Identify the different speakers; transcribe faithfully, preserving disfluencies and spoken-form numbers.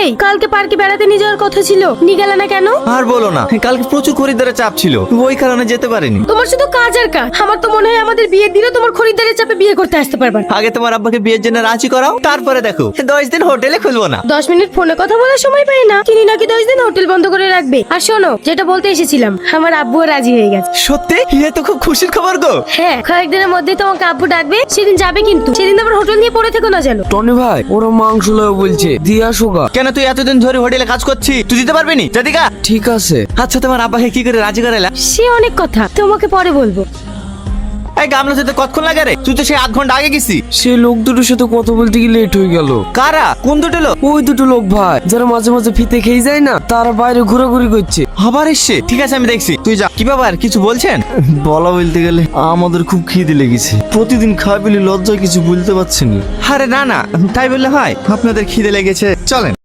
Speaker 1: এই কালকে পার্কে বেড়াতে নিয়ে যাওয়ার কথা ছিল, নিয়ে গেলে না কেন?
Speaker 2: আর বলো না, কালকে প্রচুর খরিদ্দারের চাপ ছিল, ওই কারণে যেতে পারিনি।
Speaker 1: তোমার শুধু কাজ আর কাজ। আমার তো মনে হয় আমাদের বিয়ের দিনও তোমার খরিদ্দারের চাপে বিয়ে করতে আসতে পারবে না।
Speaker 2: আগে তোমার আব্বাকে বিয়ের জন্য রাজি করাও, তারপরে দেখো দশ দিন হোটেলে খুলবো না।
Speaker 1: দশ মিনিট ফোনে কথা বলার সময় পাই না, তিনি নাকি দশ দিন হোটেল বন্ধ করে রাখবে। আর শোনো, যেটা বলতে এসেছিলাম, আমার আব্বুও রাজি হয়ে গেছে।
Speaker 2: সত্যি? এ তো খুব খুশির খবর গো।
Speaker 1: হ্যাঁ, কয়েকদিনের মধ্যে তোমাকে আব্বু ডাকবে, সেদিন যাবে কিন্তু। সেদিন আবার হোটেল নিয়ে পড়ে থেকো না যেন।
Speaker 3: টনি ভাই, ওরা মাংস লয় বলছে, দিয়ে আসো গা।
Speaker 2: কেন, তুই এতদিন ধরে হোটেলে কাজ করছিস, তুই দিতে পারবি নি? জাদিকা
Speaker 3: ঠিক আছে।
Speaker 2: আচ্ছা, তোমার আব্বাকে কি করে রাজি করাইলা?
Speaker 1: সে অনেক কথা, তোমাকে পরে বলবো।
Speaker 2: এই গামলা যেতে কতক্ষণ লাগে রে? তুই তো সেই আধ ঘন্টা আগে গেছি।
Speaker 3: সে লোক দুটোর সাথে কথা বলতে গিয়ে লেট হয়ে গেল।
Speaker 2: কারা? কোন দুটো লোক?
Speaker 3: ওই দুটো লোক ভাই, যারা মাঝে মাঝে ফিতে খেয়ে যায় না, তারা বাইরে ঘোরাঘুরি করছে।
Speaker 2: আবার এসছে? ঠিক আছে, আমি দেখছি, তুই যা। কি ব্যাপার, কিছু বলছেন?
Speaker 4: বলা বলতে গেলে আমাদের খুব খিদে লেগেছে, প্রতিদিন খাই বলে লজ্জায় কিছু বলতে পারছি না।
Speaker 2: আরে না না, তাই বললে হয়? আপনাদের খিদে লেগেছে, চলেন।